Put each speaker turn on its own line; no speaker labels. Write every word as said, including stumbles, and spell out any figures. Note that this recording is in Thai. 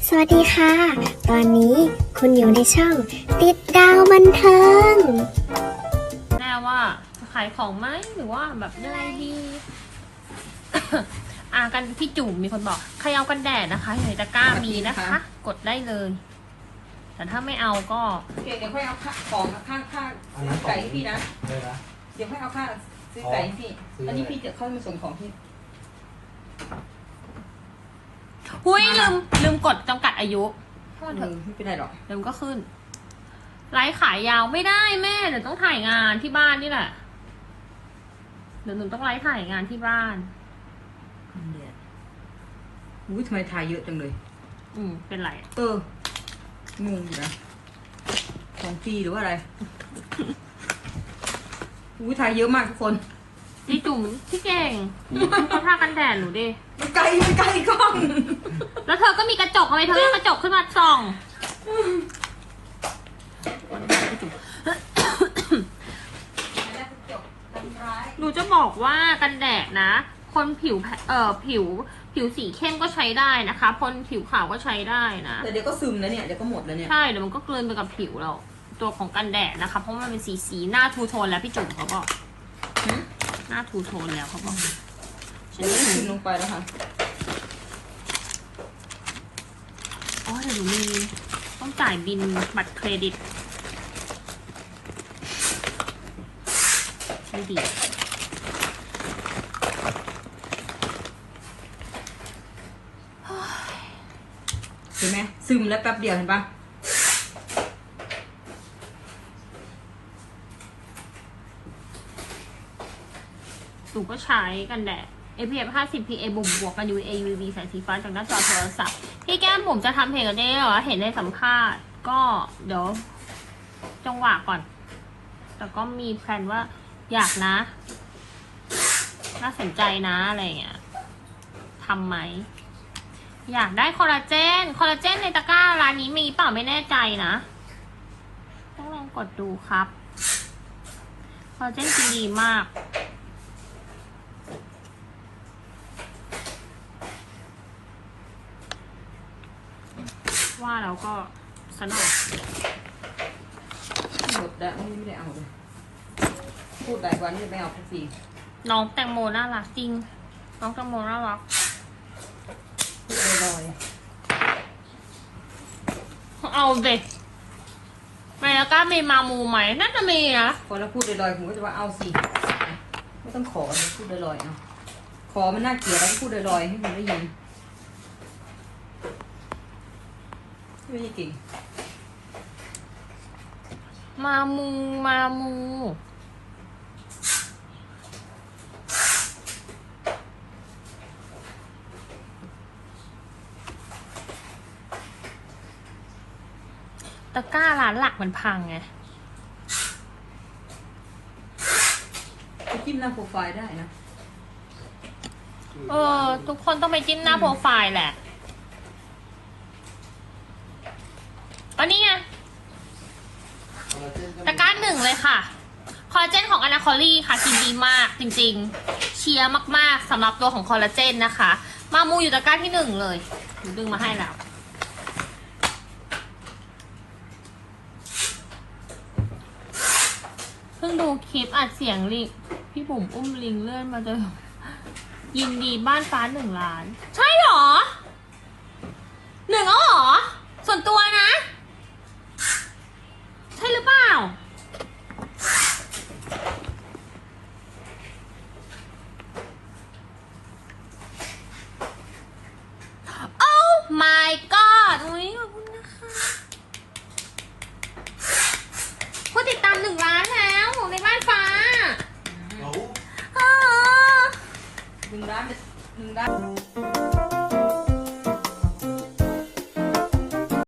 สวัสดีค่ะ ตอนนี้คุณอยู่ในช่องติดดาวบันเทิง
แน่ว่าจะขายของไหมหรือว่าแบบอะไรดี อ่ากันพี่จุ๋มมีคนบอกใครเอากันแดดนะคะอยู่ในตะกร้ามีนะคะ กดได้เลย แต่ถ้าไม่เอาก็
เดี๋ยวค่อยเอาของข้างข้างซื้อไก่พี่นะเดี๋ยวค่อยเอาค่าซื้อไก่พี่อันนี้พี่จะเข้ามาส่งของพี่
หุ้ยลืมลืมกดจำกัดอายุ
โทษเถอะไม่เป็นไรหรอก
เดี๋ยวมันก็ขึ้นไลฟ์ขายยาวไม่ได้แม่เดี๋ยวต้องถ่ายงานที่บ้านนี่แหละเดี๋ยวหนูต้องไลฟ์ถ่ายงานที่บ้าน
เดี๋ยวอุ้ยทำไมถ่ายเยอะจังเลย
อืมเป็นไร
เอองงอยู่นะของฟรีหรือว่าอะไรอุ้ยถ่ายเยอะมากทุกคน
พี่จุ๋มพี่เก่งเขาทากันแดดหนูดิ
มันไกลมันไกลกล้อง
แล้วเธอก็มีกระจกทำไมเธอไม่กระจกขึ้นมาส่องหนูจะบอกว่ากันแดดนะคนผิวเอ่อผิวผิวสีเข้มก็ใช้ได้นะคะคนผิวขาวก็ใช้ได้นะ
แต่เดี๋ยวก็ซึมแล้วเนี่ยเดี๋ยวก็หมดแล้วเนี่ย
ใช่เดี๋ยวมันก็กลืนไปกับผิวเราตัวของกันแดดนะคะเพราะมันเป็นสีสีหน้าทูโทนแล้วพี่จุ๋มเขาบอกหน้าทูโทนแล้วเขาบอก
ฉันซึมลงไปแล้วค่ะ
อ๋อเดี๋ยวหนูมีต้องจ่ายบินบัตรเครดิตไม่ดี
เห็นไหมซึมแล้วแป๊บเดียวเห็นปะ
หนูก็ใช้กันแดด เอ พี เอฟ ห้าสิบ พี เอ บวกบวกกัน ยู วี เอ ยู วี แสงสีฟ้าจากหน้าจอโทรศัพท์พี่แก้มผมจะทำเพลงกันได้เหรอเห็นในสัมภาษณ์ก็เดี๋ยวจังหวะก่อนแต่ก็มีแพลนว่าอยากนะน่าสนใจนะอะไรเงี้ยทำไหมอยากได้คอลลาเจนคอลลาเจนในตะกร้าร้านนี้มีเปล่าไม่แน่ใจนะต้องลองกดดูครับคอลลาเจนจริงดีมากว่าแล้วก็สนุก
หมดแล้วไม่ได้เอาเลยพูดหลายวันจะไม่เอาทุกที
น้องแตงโมน่ารักจริงน้องแตงโมน่ารัก
พูดลอย
เอาเด็กไม่แล้วก็มีมามูไหมน่าจะมีนะ
พอเราพูดลอยๆผมก็จะว่าเอาสิไม่ต้องขอเลยพูดลอยๆเอาขอมันน่าเกลียดแล้วพูดลอยๆให้มันได้ยินไม่ใช่เก่ง
มามูมามูตะกร้าร้านหลักมันพังไง
ไปจิ้มหน้าโปรไฟล์ได้นะ
เออทุกคนต้องไปจิ้มหน้าโปรไฟล์แหละอันนี้ไงตะกร้าหนึ่งเลยค่ะคอลลาเจนของอนาคอลี่ค่ะกินดีมากจริงๆเชียร์มากๆสำหรับตัวของคอลลาเจนนะคะมามูอยู่ตะกร้าที่หนึ่งเลยดึงมาให้แล้วเพิ่งดูคลิปอัดเสียงลิงพี่บุ๋มอุ้มลิงเลื่อนมาเจอยินดีบ้านฟ้าหนึ่งล้านใช่หรอหนึ่งแล้วหรอส่วนตัวนะใช่หรือเปล่าโอ้ my god อุ้ยขอบคุณนะคะผู้ติดตามหนึ่งล้านแล้วในบ้านฟ้า
หนึ่งล้านหนึ่งล้าน